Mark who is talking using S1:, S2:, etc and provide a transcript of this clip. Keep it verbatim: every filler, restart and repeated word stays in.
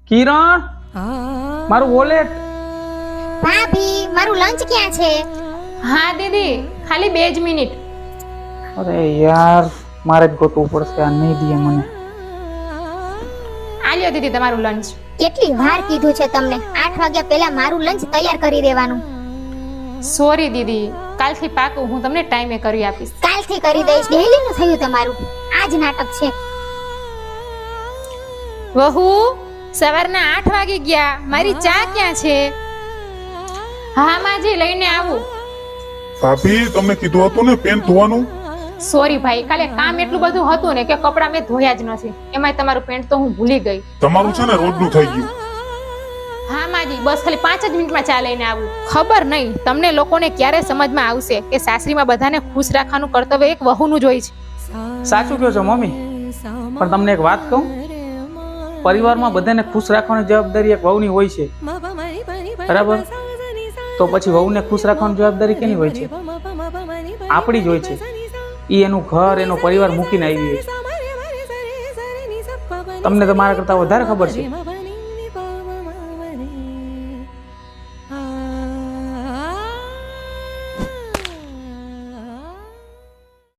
S1: કિરણ મારું વોલેટ.
S2: ભાભી મારું લંચ ક્યાં છે?
S3: હા દીદી, ખાલી બે જ મિનિટ.
S1: અરે યાર મારે જ ગોતવું પડશે, આ નહીં દે મને.
S3: આ લ્યો દીદી તમારું લંચ.
S2: કેટલી વાર કીધું છે તમને, આઠ વાગ્યા પહેલા મારું લંચ તૈયાર કરી દેવાનું.
S3: સોરી દીદી, કાલથી પાકું હું તમને ટાઈમે કરી આપીશ.
S2: કાલથી કરી દઈશ. ડેલી નું થયું તમારું, આજ નાટક છે.
S3: વહુ, સવારના આઠ વાગી ગયા, મારી ચા ક્યાં છે? હા માજી, લઈને આવું.
S4: ભાભી તમે કીધું હતું ને પેન ધોવાનું.
S3: સોરી ભાઈ, કાલે કામ એટલું બધું હતું ને કે કપડાં મેં ધોયા જ નથી. એમાંય તમારું પેન્ટ તો હું ભૂલી ગઈ.
S4: તમારું છે ને રોજનું થઈ ગયું.
S3: હા માજી, બસ ખાલી પાંચ જ મિનિટમાં ચા લઈને આવું. ખબર નહીં તમને લોકોને ક્યારે સમજમાં આવશે કે સાસરીમાં બધાને ખુશ રાખવાનું કર્તવ્ય એક વહુનું જ હોય છે.
S1: સાચું કહો છો મમ્મી, પણ તમને એક વાત કહું, પરિવારમાં બધાને ખુશ રાખવાની જવાબદારી એક વહુની હોય છે, બરાબર? તો પછી વહુને ખુશ રાખવાની જવાબદારી કેની હોય છે? આપણી જ હોય છે. એ એનું ઘર એનો પરિવાર મૂકીને આવી હોય છે. તમને તો મારા કરતા વધારે ખબર છે.